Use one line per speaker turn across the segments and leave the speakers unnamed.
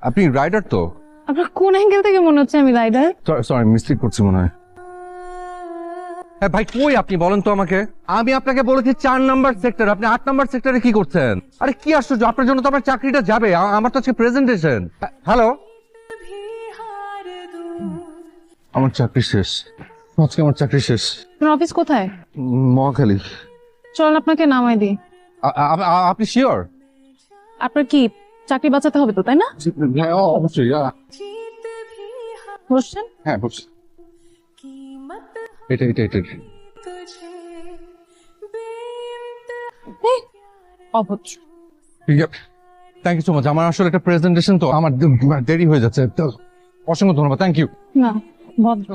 আপনি রাইডার তো?
আপনার কোন অ্যাঙ্গেল থেকে মনে হচ্ছে আমি রাইডার?
সরি, মিস্টেক করছি মনে হয়। হ্যাঁ ভাই, কই আপনি বলেন তো আমাকে। আমি আপনাকে বলেছি 4 নাম্বার সেক্টর, আপনি 8 নাম্বার সেক্টরে কি করছেন? আরে কি আশ্চর্য, আপনার জন্য তো আমার চাকরিটা যাবে। আমার তো আজকে প্রেজেন্টেশন। হ্যালো, আমার চাকরি শেষ আজকে, আমার চাকরি শেষ।
আপনার অফিস কোথায়?
মহাখালী।
চলুন আপনাকে নামাই দিই।
আপনি শিওর?
আপনার কি চাকরি বাঁচাতে হবে তো, তাই না?
হ্যাঁ অবশ্যই।
বসছেন?
হ্যাঁ বলছি। এটা এটা এটা
এই, অভদ্র।
Thank you so much. আমার আসলে একটা প্রেজেন্টেশন তো, আমার দেরি হয়ে যাচ্ছে তো। অসংখ্য ধন্যবাদ, থ্যাংক ইউ।
না, ভদ্র।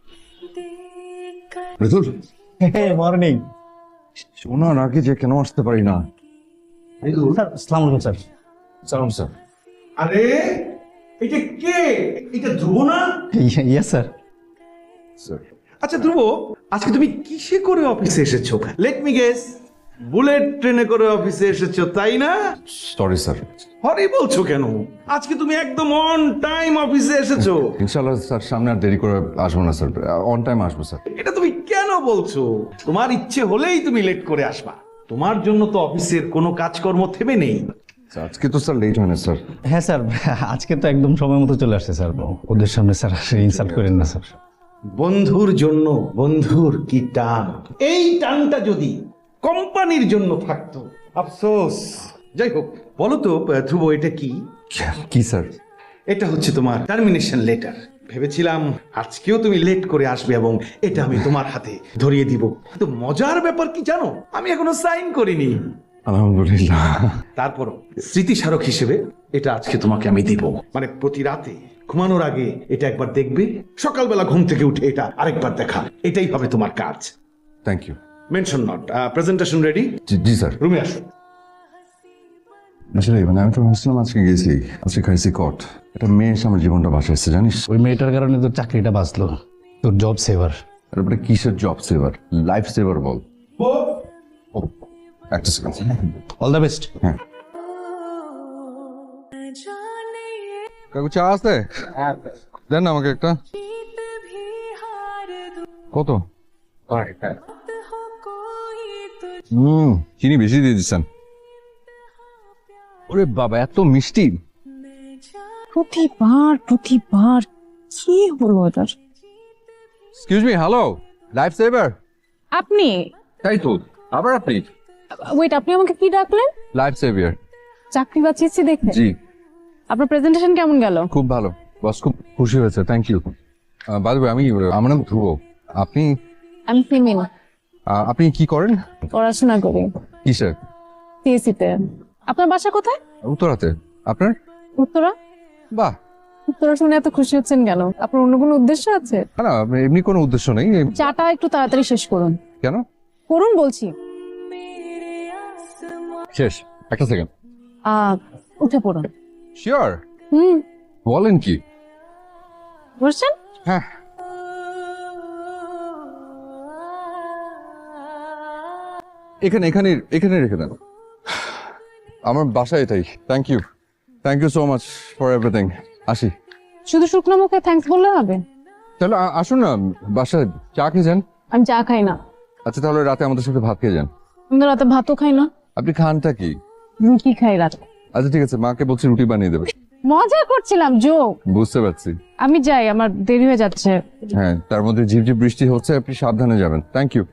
রিতুল,
মর্নিং
শোনার আগে যে কেন আসতে পারি না।
স্যার। আসসালামু আলাইকুম স্যার।
সালাম স্যার।
আরে এটা কে? এটা ধ্রুব না?
Yes sir.
স্যার
আচ্ছা ধ্রুব, আজকে তুমি কিসে করে অফিসে এসেছো? লেট মি গেস, বুলেট ট্রেনে করে অফিসে এসেছো, তাই না?
Sorry sir.
হরি বলছো কেন? আজকে তুমি একদম অন টাইম অফিসে এসেছো।
ইনশাআল্লাহ স্যার, সামনে আর দেরি করে আসবো না স্যার, অন টাইম আসবো স্যার।
এটা তুমি কেন বলছো? তোমার ইচ্ছে হলেই তুমি লেট করে আসবা। তোমার জন্য তো অফিসের কোনো কাজকর্ম থেমে নেই।
আজকে তো স্যার লেট হয় না স্যার।
হ্যাঁ স্যার, আজকে তো একদম সময় মতো চলে আসছে স্যার। ওদের সামনে স্যার ইনসাল্ট করেন না স্যার।
বন্ধুর জন্য বন্ধুর কি টান, এই টানটা যদি কোম্পানির জন্য থাকতো, আফসোস। যাই হোক, বলো তো ধ্রুব, এটা কি?
কি স্যার?
এটা হচ্ছে তোমার টার্মিনেশন লেটার। ভেবেছিলাম আজকেও তুমি লেট করে আসবে এবং এটা আমি তোমার হাতে ধরিয়ে দিব। কিন্তু মজার ব্যাপার কি জানো, আমি এখনো সাইন করিনি।
আলহামদুলিল্লাহ।
তারপরও স্মৃতিস্মারক হিসেবে এটা আজকে তোমাকে আমি দিব। মানে প্রতি রাতে ঘুমানোর আগে এটা একবার দেখবে, সকালবেলা ঘুম থেকে উঠে এটা আরেকবার দেখা। এটাই হবে তোমার কাজ।
Thank you.
Mention not. Presentation ready?
জি স্যার।
রুমে আসো।
আসলে মানে আমি তো ভাবছিলাম আজকে গেছি, আজকে খাইছি কট। একটা মেয়ে এসে আমার জীবনটা বাঁচাইছে জানিস।
ওই মেয়েটার কারণে তোর চাকরিটা বাঁচলো, তোর জব সেভার।
তারপরে কিসের জব সেভার, লাইফ সেভার বল। ও, একটা সেকেন্ড।
All the best.
হ্যাঁ কাকু, চা আছে? দেন না আমাকে একটা। কত? চিনি বেশি দিয়ে দিচ্ছেন। ওরে বাবা, এত মিষ্টি।
প্রতিবার কি হলো এটার?
Excuse me, hello, life saver.
আপনি
তাই তো, আবার আপনি?
ওয়েট, আপনি আমাকে কি ডাকলেন?
Life saviour.
চাকরি বাঁচিয়েছি দেখে।
জি,
আপনার প্রেজেন্টেশন কেমন গেল?
খুব ভালো বস, খুব খুশি হয়েছে, thank you. By the way, আমার নাম ধ্রুব। আপনি?
আমি ফিমিন,
আপনি কি করেন?
পড়াশোনা করি
কিসের?
সিএসসি তে। আপনার বাসা কোথায়?
উত্তরাতে। আপনার?
উত্তরা।
বাহ।
উত্তরা শুনে এত খুশি হচ্ছেন কেন? আপনার অন্য কোনো উদ্দেশ্য আছে?
না, এমনি কোনো উদ্দেশ্য নেই।
চাটা একটু তাড়াতাড়ি শেষ করুন।
কেন?
করুন বলছি।
শেষ? একটা সেকেন্ড।
উঠে পড়ুন।
শিওর?
হুম,
বলেন কি?
বলছেন?
হ্যাঁ। এখানে এখানে এখানে রেখে দেন। আমার বাসা এটাই। Thank you so much for everything. আসি।
শুধু শুকনো মুখে থ্যাঙ্কস বললে হবে?
তাহলে আসুন না, বাসায় চা খেয়ে যান।
আমি চা খাই না।
আচ্ছা তাহলে রাতে আমাদের সাথে ভাত খেয়ে যান।
আমি তো রাতে ভাতও খাই না।
আপনি খানটা কি?
রুটি খাই রাতে।
আচ্ছা ঠিক আছে, মাকে বলছি রুটি বানিয়ে দেবে।
মজা করছিলাম, জোক।
বুঝতে পারছি।
আমি যাই, আমার দেরি হয়ে যাচ্ছে।
হ্যাঁ, তার মধ্যে ঝিপঝিপ বৃষ্টি হচ্ছে, আপনি সাবধানে যাবেন। Thank you.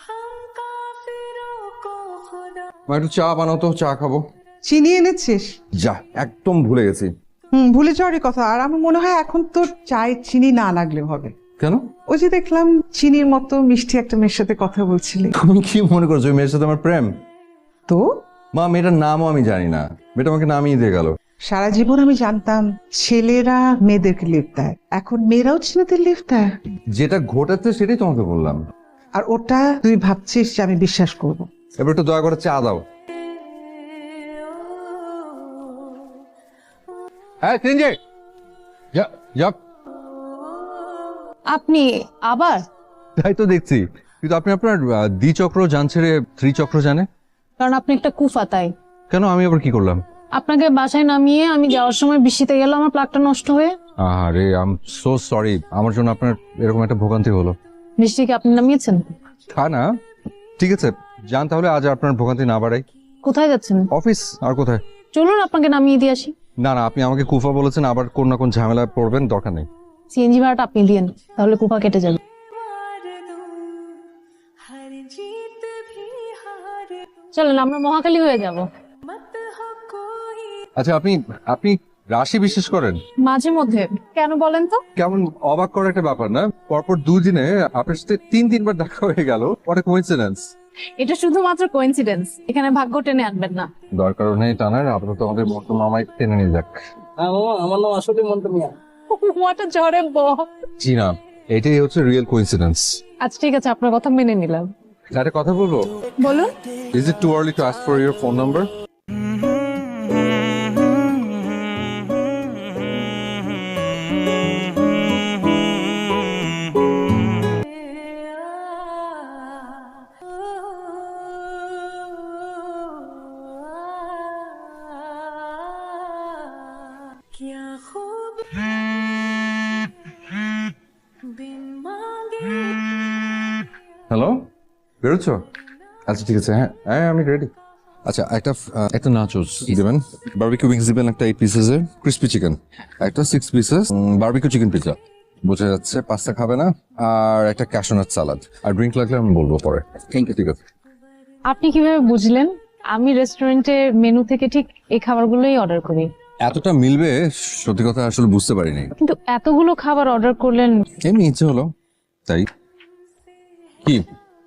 মা একটু চা বানাও তো, চা খাবো।
চিনি এনেছিস?
যা, একদম ভুলে গেছি।
ভুলে যাওয়ারই কথা। আর আমার মনে হয় এখন তোর চায়ে চিনি না লাগলেও হবে।
কেন?
ওই যে দেখলাম চিনির মতো মিষ্টি একটা মেয়ের সাথে কথা বলছিলি।
তুমি কি মনে করছো ওই মেয়ের সাথে আমার প্রেম?
তো
মা, মেয়েটার নামও আমি জানি না, মেয়েটা আমাকে নামিয়ে দিয়ে গেল।
সারা জীবন আমি জানতাম ছেলেরা মেয়েদেরকে লিফট দেয়, এখন মেয়েরাও ছেলেদের লিফট দেয়।
যেটা ঘটেছে সেটাই তোমাকে বললাম।
আর ওটা তুই ভাবছিস যে আমি বিশ্বাস করব?
এবার একটু দয়া করে চা দাও। হ্যাঁ তিনজে যা।
আপনি আবার?
তাই তো দেখছি, কিন্তু আপনি আপনার দ্বিচক্র যান ছেড়ে ত্রিচক্র জানে
কারণ আপনি একটা কুফা, তাই।
কেন? আমি আবার কি করলাম?
আপনাকে বাসায় নামিয়ে আমি যাওয়ার সময় বৃষ্টিতে গেল, আমার প্লাগটা নষ্ট হয়ে।
আরে আই এম সো সরি, আমার জন্য আপনার এরকম একটা ভোগান্তি হলো।
বৃষ্টিকে আপনি নামিয়েছেন?
তা না, ঠিক আছে যান তাহলে, আজ আর আপনার ভোগান্তি না বাড়াই।
কোথায় যাচ্ছেন?
অফিস, আর কোথায়?
চলুন আপনাকে নামিয়ে দিয়ে আসি।
না না, আপনি আমাকে কুফা বলেছেন, আবার কোন না কোন ঝামেলায় পড়বেন, দরকার নেই।
সিএনজি ভাড়াটা আপনি দিয়েন, তাহলে কুপা কেটে যাবে। চলেন আমরা মহাকালী হয়ে যাব।
আচ্ছা, আপনি আপনি রাশি বিশ্বাস করেন?
মাঝে মধ্যে। কেন বলেন তো?
কেমন অবাক করার একটা ব্যাপার না, পরপর 2 দিনে আপনার সাথে 3-3 বার দেখা হয়ে গেল, হোয়াট আ কোইন্সিডেন্স।
এটা শুধুমাত্র কোইন্সিডেন্স, এখানে ভাগ্য টেনে আনবেন না।
দরকার নেই টানার, আপাতত আমাদের মন্টু মামাই টেনে নিয়ে যাক।
আমার নাম আসলে মন্টু মিয়া।
হোয়াট আ ঝড়ে বক।
জি না, এটাই হচ্ছে রিয়েল কোইন্সিডেন্স।
আচ্ছা ঠিক আছে, আপনার কথা মেনে নিলাম।
একটা কথা বলবো?
বলুন।
Is it too early to ask for your phone number? Hello, বেরোচ্ছ? আচ্ছা ঠিক আছে, হ্যাঁ হ্যাঁ আমি রেডি। আচ্ছা একটা নাচোস দিবেন, বারবিকিউ উইংস দিবেন একটা 8 পিসেসের, ক্রিসপি চিকেন একটা 6 পিসেস, বারবিকিউ চিকেন পিৎজা, বোঝা যাচ্ছে পাস্তা খাবে না, আর একটা ক্যাশনাট সালাদ, আর ড্রিঙ্ক লাগলে আমি বলবো পরে। Thank you. ঠিক আছে।
আপনি কিভাবে বুঝলেন? আমি রেস্টুরেন্টের মেনু থেকে ঠিক এই খাবারগুলোই অর্ডার করি।
এতটা মিলবে সত্যি কথা আসলে বুঝতে পারিনি,
কিন্তু এতগুলো খাবার অর্ডার করলেন।
এমনি ইচ্ছে হলো তাই। কি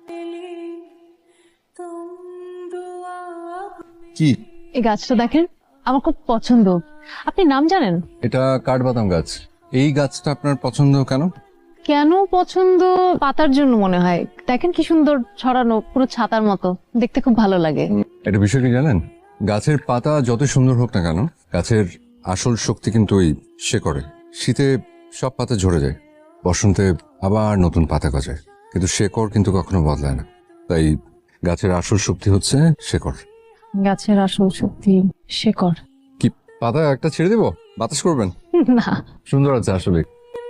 কি
এই গাছটা দেখেন, আমার খুব পছন্দ। আপনি নাম জানেন?
এটা কাঠবাদাম গাছ। এই গাছটা আপনার পছন্দ কেন?
কেন পছন্দ? পাতার জন্য মনে হয়। দেখেন কি সুন্দর ছড়ানো, পুরো ছাতার মতো, দেখতে খুব ভালো লাগে।
এটা বিষয় কি জানেন, গাছের পাতা যত সুন্দর হোক না কেন, গাছের আসল শক্তি কিন্তু ওই শেকড়ে। শীতে সব পাতা ঝরে যায়, বসন্তে আবার নতুন পাতা গজায়, কিন্তু শেকড় কিন্তু কখনো বদলায় না। তাই গাছের আসল শক্তি হচ্ছে শেকড়।
গাছের আসল শক্তি শেকড়।
কি পাতা একটা ছেড়ে দেবো, বাতাস করবেন?
না,
সুন্দর আছে আসলে।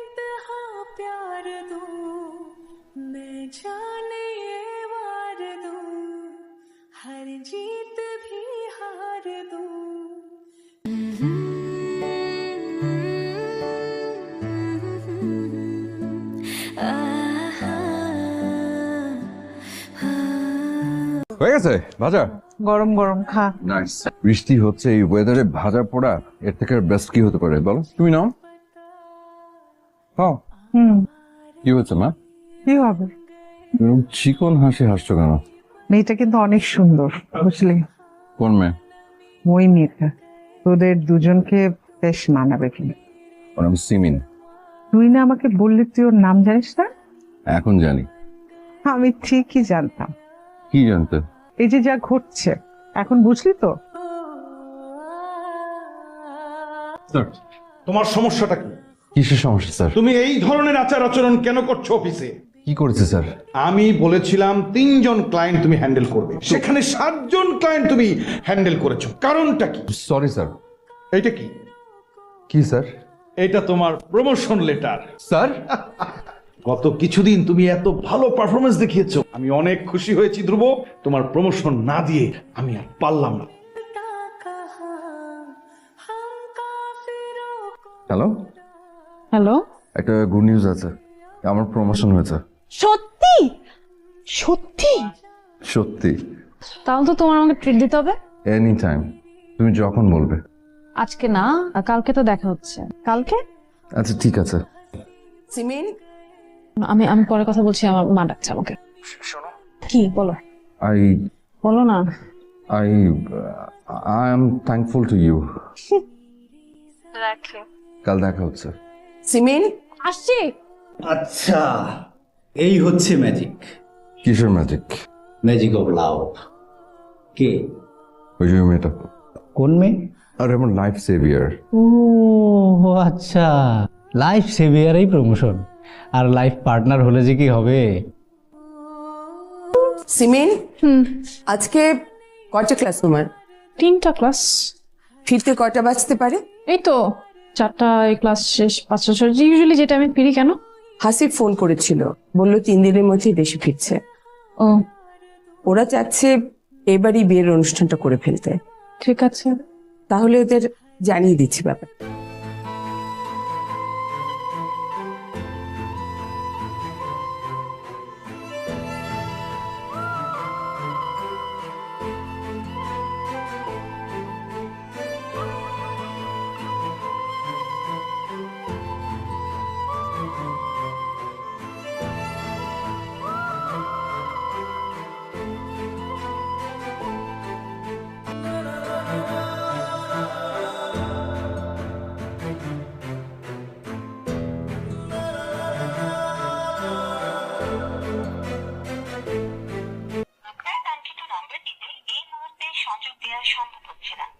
হয়ে গেছে ভাজা?
গরম গরম খা।
নাইস। বৃষ্টি হচ্ছে, এই ওয়েদারে ভাজা পোড়া এর থেকে বেস্ট কি হতে পারে বলো? তুমি নাও। হ্যাঁ, কি হচ্ছে মা?
কি হবে?
চিকন হাসি হাসছো কেন?
মেয়েটা কিন্তু অনেক সুন্দর, বুঝলি?
কোন মেয়ে?
ওই মেয়েটা তোদের দুজনকে বেশ মানাবে কিনা।
ওর নাম সিমিন।
তুই না আমাকে বললি তুই ওর নাম জানিস না?
এখন জানি।
আমি ঠিকই জানতাম।
কি জানতে?
এই যে যা ঘটছে এখন বুঝলি তো?
তোমার সমস্যাটা কি?
কিসের সমস্যা স্যার?
তুমি এই ধরনের আচার আচরণ কেন করছো অফিসে?
কি করেছে স্যার?
আমি বলেছিলাম 3 জন ক্লায়েন্ট তুমি হ্যান্ডেল করবে, সেখানে 7 জন ক্লায়েন্ট তুমি হ্যান্ডেল করেছো, কারণটা কি?
Sorry sir.
এইটা কি?
কি স্যার?
এটা তোমার প্রমোশন লেটার।
স্যার
গত কিছুদিন তুমি এত ভালো পারফরমেন্স দেখিয়েছো, আমি অনেক খুশি হয়েছি ধ্রুব। তোমার প্রমোশন না দিয়ে আমি আর পারলাম না।
Hello,
hello.
একটা গুড নিউজ আছে, আমার প্রমোশন হয়েছে।
সত্যি? সত্যি?
সত্যি।
তাহলে তো তোমার আমাকে ট্রিট দিতে হবে।
এনি টাইম, তুমি যখন বলবে।
আজকে না, কালকে তো দেখা হচ্ছে। কালকে?
আচ্ছা ঠিক আছে।
সিমিন,
আমি আমি পরে কথা বলছি, আমার মা ডাকছে আমাকে।
শোনো।
কি বলো?
আই
বলো না।
I I am thankful to you.
রাখি।
কাল দেখা হচ্ছে।
সিমিন,
আসছি।
আচ্ছা, এই হচ্ছে ম্যাজিক।
কিসের ম্যাজিক?
Magic of love. কে?
ওই যে মেয়েটা।
কোন মেয়ে?
আর আমার লাইফ সেভিয়ার।
ও আচ্ছা, লাইফ সেভিয়ারই প্রমোশন, আর লাইফ পার্টনার হলে যে কি হবে।
সিমিন, আজকে কয়টা ক্লাস তোমার?
3টা ক্লাস।
ফিরতে কয়টা বাজতে পারে?
এই তো 4টায় ক্লাস শেষ, 5টা ইউজুয়ালি যেটা আমি ফিরি। কেন?
হাসিব ফোন করেছিল, বলল 3 দিনের মধ্যেই দেশে ফিরছে।
ও
ওরা চাচ্ছে এবারই বিয়ের অনুষ্ঠানটা করে ফেলতে।
ঠিক আছে।
তাহলে ওদের জানিয়ে দিচ্ছি ব্যাপার।
আপনার কাঙ্ক্ষিত নম্বরটিতে এই মুহূর্তে সংযোগ দেওয়া সম্ভব হচ্ছে না।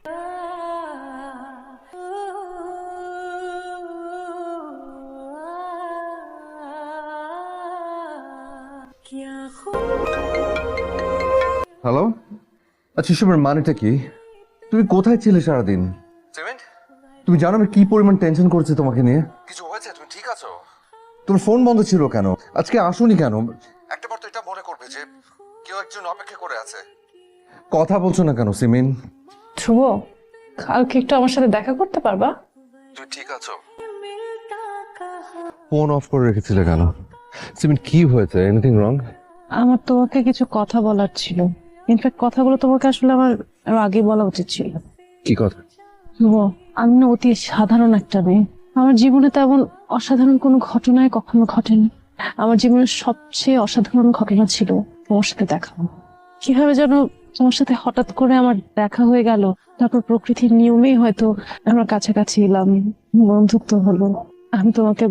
হ্যালো, আচ্ছা এসবের মানেটা কি? তুমি কোথায় ছিলে সারাদিন? তুমি জানো আমি কি পরিমাণ টেনশন করছি তোমাকে নিয়ে? কিছু হয়েছে? তুমি ঠিক আছো? তোমার ফোন বন্ধ ছিল কেন? আজকে আসোনি কেন? একটাবার তো এটা মনে করবে যে কেউ একজন অপেক্ষা করে আছে। কথা বলছো না কেন সিমিন?
ধ্রুব, কালকে একটু আমার সাথে দেখা করতে পারবা?
তুমি ঠিক আছো? ফোন অফ করে রেখেছিলে কেন? সিমিন কি হয়েছে? Anything wrong?
আমার তোমাকে কিছু কথা বলার ছিল। ইনফ্যাক্ট কথাগুলো তোমাকে আসলে আমার আরো আগে বলা উচিত ছিল।
কি কথা?
ধ্রুব, আমি না অতি সাধারণ একটা মেয়ে। আমার জীবনে তেমন অসাধারণ কোনো ঘটনায় কখনো ঘটেনি। আমার জীবনের সবচেয়ে অসাধারণ ঘটনা ছিল তোমার সাথে দেখা। কিভাবে যেন তোমার সাথে হঠাৎ করে আমার দেখা হয়ে গেল, তারপর প্রকৃতির নিয়মেই হয়তো আমরা কাছাকাছি এলাম, বন্ধুত্ব হলো। আমি তোমাকে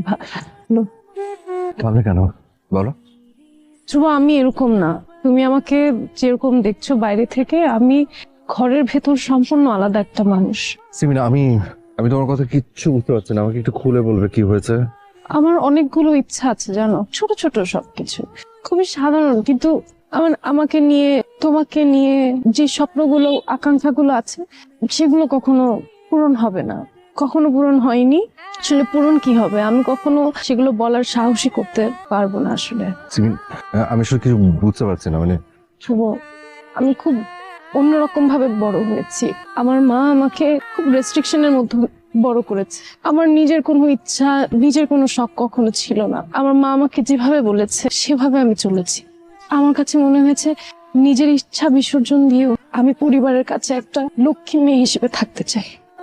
ভাবলে কেন বলো?
ধ্রুব, আমি এরকম না। তুমি আমাকে যেরকম দেখছো বাইরে থেকে, আমি ঘরের ভেতর সম্পূর্ণ আলাদা একটা মানুষ।
সিমিন, আমি তোমার কথা কিচ্ছু বুঝতে পারছি না। আমাকে একটু খুলে বলবে কি হয়েছে?
আমার অনেকগুলো ইচ্ছা আছে জানো, ছোট ছোট সবকিছু, খুবই সাধারণ, কিন্তু আমাকে নিয়ে, তোমাকে নিয়ে যে স্বপ্নগুলো, আকাঙ্ক্ষাগুলো আছে, সেগুলো কখনো পূরণ হবে না, কখনো পূরণ হয়নি। আসলে পূরণ কি হবে, আমি কখনো সেগুলো বলার সাহসী করতে পারবো না আসলে।
সিমিন, আমি আসলে কিছু বুঝতে পারছি না। মানে
শুভ, আমি খুব অন্যরকম ভাবে বড় হয়েছি। আমার মা আমাকে খুব রেস্ট্রিকশনের মধ্যে বড় করেছে। আমার নিজের কোনো ইচ্ছা, নিজের কোনো শখ কখনো ছিল না। আমার মা আমাকে যেভাবে বলেছে সেভাবে আমি চলেছি। আমার কাছে মনে হয়েছে নিজের ইচ্ছা বিসর্জন দিয়েও আমি পরিবারের কাছে একটা লক্ষ্মী মেয়ে হিসেবে থাকতে চাই।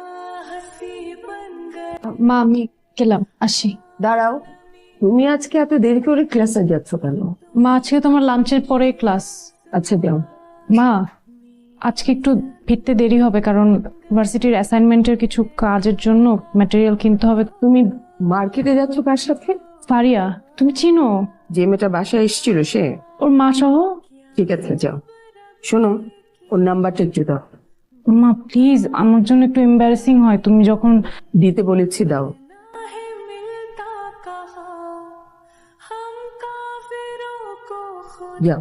মা, আমি গেলাম, আসি।
দাঁড়াও, তুমি আজকে এত দেরি করে ক্লাসে যাচ্ছ কেন?
মা, আজকে তোমার লাঞ্চের পরে ক্লাস।
আচ্ছা যাও।
মা, আজকে একটু ফিরতে দেরি হবে, কারণ ভার্সিটির অ্যাসাইনমেন্টের কিছু কাজের জন্য ম্যাটেরিয়াল কিনতে হবে।
তুমি মার্কেটে যাচ্ছ কার সাথে?
ফারিয়া, তুমি চিনো?
যে মেয়েটা বাসায় এসেছিল সে?
ওর মা সহ।
ঠিক আছে যাও। শোনো, ওর নাম্বারটা একটু দাও।
মা প্লিজ, আমার জন্য একটু এম্বারেসিং হয় তুমি যখন
দিতে বলেছি, দাও। যাও।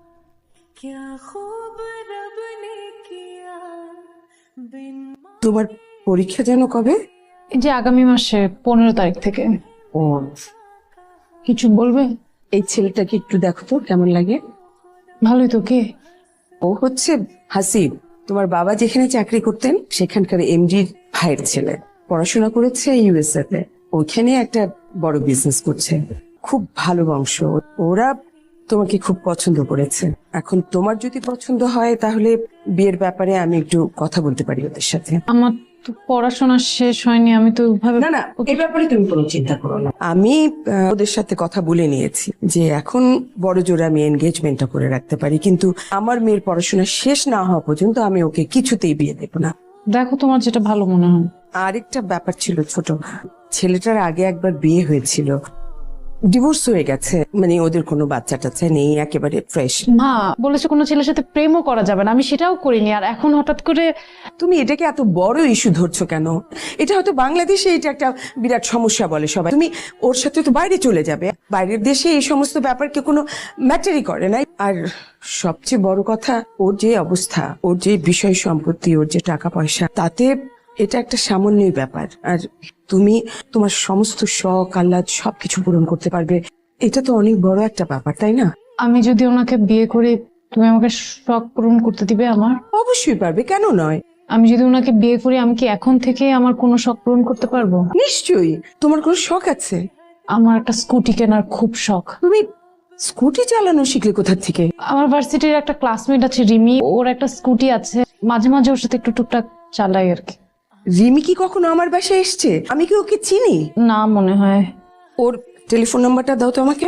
তোমার পরীক্ষা যেন কবে?
এই যে আগামী মাসে 15 তারিখ থেকে।
ও,
কিছু বলবে?
এই ছেলেটাকে একটু দেখো তো কেমন লাগে।
ভালোই তো। কে?
ও হচ্ছে হাসিব, তোমার বাবা যেখানে চাকরি করতেন সেখানকার এমডির ভাইয়ের ছেলে। পড়াশোনা করেছে ইউএসএ তে, ওইখানে একটা বড় বিজনেস করছে। খুব ভালো বংশ। ওরা তোমাকে খুব পছন্দ করেছে। এখন তোমার যদি পছন্দ হয় তাহলে বিয়ের ব্যাপারে আমি একটু কথা বলতে পারি ওদের সাথে।
আমার তো পড়াশোনা শেষ হয়নি, আমি তো ভাবে
না না, এই ব্যাপারে তুমি কোনো চিন্তা করো না। আমি ওদের সাথে কথা বলে নিয়েছি যে এখন বড় জোরে আমি এনগেজমেন্টটা করে রাখতে পারি, কিন্তু আমার মেয়ের পড়াশোনা শেষ না হওয়া পর্যন্ত আমি ওকে কিছুতেই বিয়ে দেবো না।
দেখো তোমার যেটা ভালো মনে হয়।
আরেকটা ব্যাপার ছিল, ছোট ছেলেটার আগে একবার বিয়ে হয়েছিল, ডিভোর্স হয়ে গেছে, মানে ওদের কোনো বাচ্চা টাচ্চা নেই, একেবারে ফ্রেশ।
মা বলেছে কোনো ছেলের সাথে প্রেমও করা যাবে না, আমি সেটাও করিনি, আর এখন হঠাৎ করে।
তুমি এটাকে এত বড় ইস্যু ধরছো কেন? এটা হয়তো বাংলাদেশে এটা একটা বিরাট সমস্যা বলে সবাই। তুমি ওর সাথে তো বাইরে চলে যাবে, বাইরের দেশে এই সমস্ত ব্যাপারকে কোনো ম্যাটারই করে না। আর সবচেয়ে বড় কথা, ওর যে অবস্থা, ওর যে বিষয় সম্পত্তি, ওর যে টাকা পয়সা, তাতে এটা একটা সামান্যই ব্যাপার। আর তুমি তোমার সমস্ত শখ আহ্লাদ সবকিছু পূরণ করতে পারবে, এটা তো অনেক বড় একটা ব্যাপার, তাই না?
আমি যদি ওনাকে বিয়ে করি, তুমি আমাকে শখ পূরণ করতে দিবে আমার?
অবশ্যই পারবে, কেন নয়?
আমি যদি ওনাকে বিয়ে করি, আমি কি এখন থেকে আমার কোনো শখ পূরণ করতে পারবো?
নিশ্চয়ই। তোমার কোনো শখ আছে?
আমার একটা স্কুটি কেনার খুব শখ।
তুমি স্কুটি চালানো শিখলে কোথা থেকে?
আমার ভার্সিটির একটা ক্লাসমেট আছে রিমি, ওর একটা স্কুটি আছে, মাঝে মাঝে ওর সাথে একটু টুকটাক চালাই আর কি।
রিমি কি কখনো আমার বাসায় এসছে? আমি কি ওকে চিনি?
না মনে হয়।
ওর টেলিফোন নাম্বারটা দাও তো আমাকে।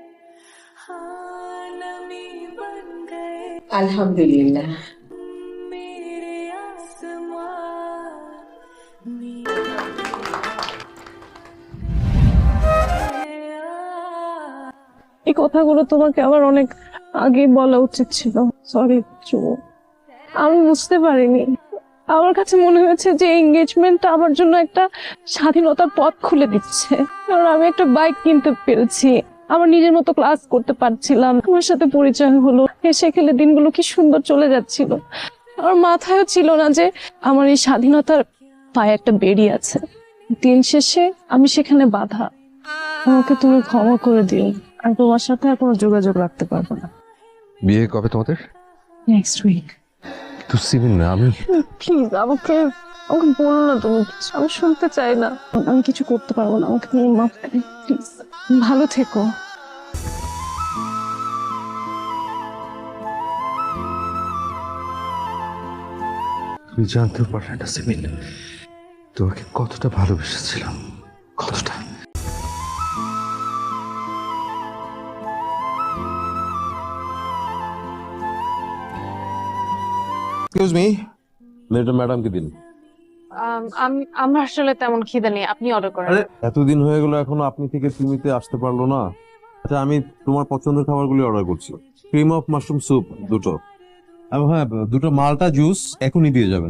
আলহামদুলিল্লাহ।
এই কথাগুলো তোমাকে আমার অনেক আগে বলা উচিত ছিল। সরি চুমু, আমি বুঝতে পারিনি। আমার কাছে মনে হয়েছে যে এঙ্গেজমেন্টটা আমার জন্য একটা স্বাধীনতার পথ খুলে দিচ্ছে, কারণ আমি একটা বাইক কিনতে পেরেছি, আমার নিজের মতো ক্লাস করতে পারছিলাম, আমার সাথে পরিচয় হলো, হেসে খেলে দিনগুলো কি সুন্দর চলে যাচ্ছিল। আমার মাথায়ও ছিল না যে আমার এই স্বাধীনতার পায়ে একটা বেড়ি আছে। দিন শেষে আমি সেখানে বাধা। আমাকে তুমি ক্ষমা করে দিও, আর তোমার সাথে আর কোনো যোগাযোগ রাখতে পারবো না।
বিয়ে কবে তোমাদের?
Next week.
তো সিমিন না, আমি
প্লিজ আমাকে আমাকে বলো না তুমি কিছু, আমি শুনতে চাই না। আমি কিছু করতে পারবো না, আমাকে তুমি মাফ করে প্লিজ। ভালো থেকো।
তুমি জানতেও পারলে না সিমিন, তোমাকে কতটা ভালোবেসেছিলাম, কতটা।
এক্সকিউজ মি, মেয়েটা ম্যাডামকে দিন।
আমার আসলে তেমন খিদে নেই, আপনি অর্ডার করেন।
আরে এতদিন হয়ে গেল এখনো আপনি থেকে তুমিতে আসতে পারলো না। আচ্ছা আমি তোমার পছন্দের খাবারগুলি অর্ডার করছি। ক্রিম অফ মাশরুম স্যুপ দুটো, এবং হ্যাঁ দুটো মালটা জুস এখনই দিয়ে যাবেন।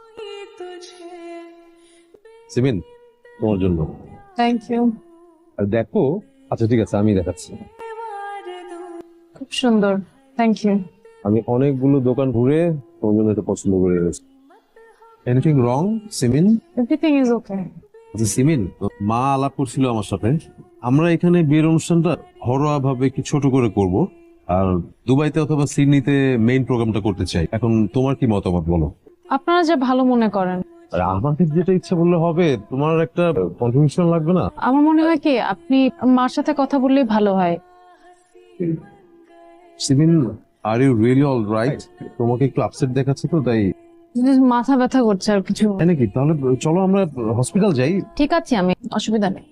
সিমিন তোমার জন্য।
Thank you.
আর দেখো, আচ্ছা ঠিক আছে আমি দেখাচ্ছি।
খুব সুন্দর, থ্যাংক ইউ।
আমি অনেকগুলো দোকান ঘুরে তোমার জন্য এটা পছন্দ করে গেছি। Anything wrong Simin?
Everything is okay.
আচ্ছা সিমিন, মা আলাপ করছিল আমার সাথে, আমরা এখানে বিয়ের অনুষ্ঠানটা ঘরোয়া ভাবে কি ছোট করে করব, আর দুবাইতে অথবা সিডনিতে মেইন প্রোগ্রামটা করতে চাই। এখন তোমার কি মতামত বলো?
আপনারা যা ভালো মনে করেন।
আর আমাদের যেটা ইচ্ছা বললে হবে, তোমার একটা কন্ট্রিবিউশন লাগবে না?
আমার মনে হয় কি আপনি মার সাথে কথা বললেই ভালো হয়।
Simin are you really all right? তোমাকে একটু আপসেট দেখাচ্ছে তো তাই।
মাথা ব্যথা করছে আর কিছু।
তাই নাকি? তাহলে চলো আমরা হসপিটাল যাই।
ঠিক আছে, আমি অসুবিধা নেই।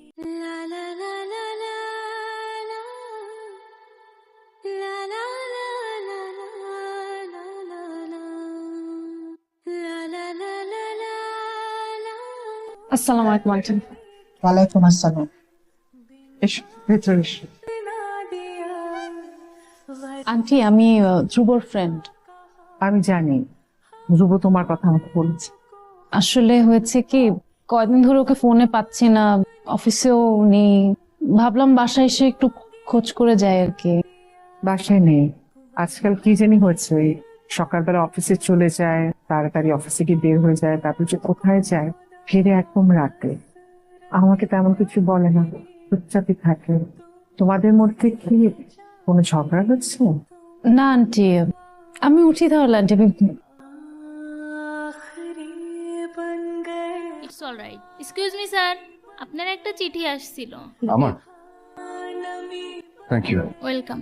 আসসালামু আলাইকুম আন্টি।
ওয়ালাইকুম আসসালাম। এসো ভেতরে এসো।
আন্টি আমি ধ্রুবর ফ্রেন্ড।
আমি জানি ধ্রুব তোমার কথা আমাকে বলেছে।
আসলে হয়েছে কি, কয়দিন ধরে ওকে ফোনে পাচ্ছি না, অফিসেও নেই, ভাবলাম বাসায় এসে একটু খোঁজ করে যাই আর কি।
বাসায় নেই, আজকাল কি জানি হয়েছে, ওই সকালবেলা অফিসে চলে যায়, তাড়াতাড়ি অফিসে গিয়ে বের হয়ে যায়, তারপর যে কোথায় যায়, ফিরে একদম রাতে। আমাকে তেমন কিছু বলে না, চুপচাপই থাকে। তোমাদের মধ্যে কি কোনো ঝগড়া হচ্ছে?
না আন্টি, আমি উঠি তাহলে aunty.
It's alright. Excuse me sir, আপনার একটা চিঠি আসছিল।
আমার? Thank you.
ওয়েলকাম।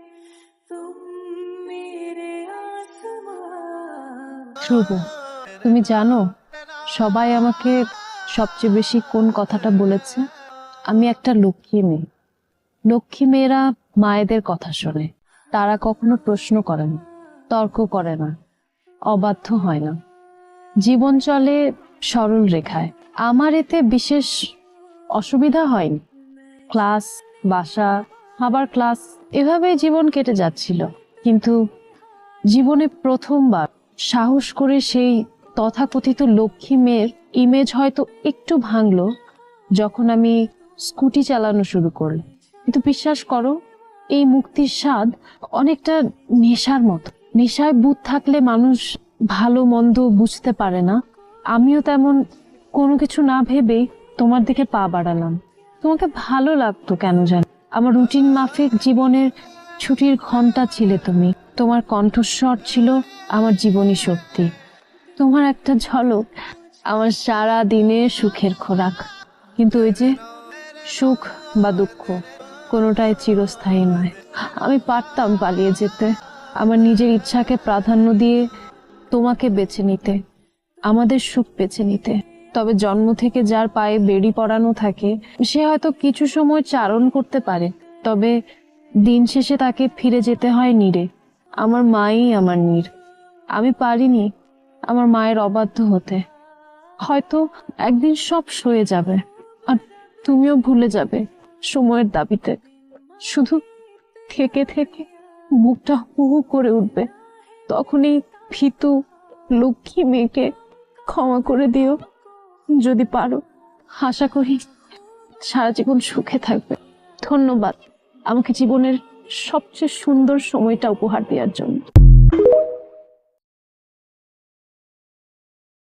ধ্রুব, তুমি জানো সবাই আমাকে সবচেয়ে বেশি কোন কথাটা বলেছে? আমি একটা লক্ষ্মী মেয়ে। লক্ষ্মী মেয়েরা মায়েদের কথা শোনে, তারা কখনো প্রশ্ন করে না, তর্ক করে না, অবাধ্য হয় না, জীবন চলে সরল রেখায়। আমার এতে বিশেষ অসুবিধা হয়নি। ক্লাস, বাসা, আবার ক্লাস, এভাবেই জীবন কেটে যাচ্ছিল। কিন্তু জীবনে প্রথমবার সাহস করে সেই তথাকথিত লক্ষ্মী মেয়ের ইমেজ হয়তো একটু ভাঙলো যখন আমি স্কুটি চালানো শুরু করলাম। কিন্তু বিশ্বাস করো, এই মুক্তির স্বাদ অনেকটা নেশার মতো। নেশায় বুঁদ থাকলে মানুষ ভালো মন্দ বুঝতে পারে না, আমিও তেমন কোনো কিছু না ভেবেই তোমার দিকে পা বাড়ালাম। তোমাকে ভালো লাগতো কেন জানি। আমার রুটিন মাফিক জীবনের ছুটির ঘন্টা ছিলে তুমি। তোমার কণ্ঠস্বর ছিল আমার জীবনী শক্তি। তোমার একটা ঝলক আমার সারা দিনে সুখের খোরাক। কিন্তু ওই যে সুখ বা দুঃখ কোনোটাই চিরস্থায়ী নয়। আমি পারতাম পালিয়ে যেতে, আমার নিজের ইচ্ছাকে প্রাধান্য দিয়ে তোমাকে বেছে নিতে, আমাদের সুখ বেছে নিতে। তবে জন্ম থেকে যার পায়ে বেড়ি পরানো থাকে সে হয়তো কিছু সময় চারণ করতে পারে, তবে দিন শেষে তাকে ফিরে যেতে হয় নীড়ে। আমার মাই আমার নীড়। আমি পারিনি আমার মায়ের অবাধ্য হতে। হয়তো একদিন সব সয়ে যাবে আর তুমিও ভুলে যাবে সময়ের দাবিতে। শুধু থেকে থেকে বুকটা হু হু করে উঠবে। তখনই ভীতু লক্ষ্মী মেয়েকে ক্ষমা করে দিও যদি পারো। আশা করি সারা জীবন সুখে থাকবে। ধন্যবাদ আমাকে জীবনের সবচেয়ে সুন্দর সময়টা উপহার দেওয়ার জন্য।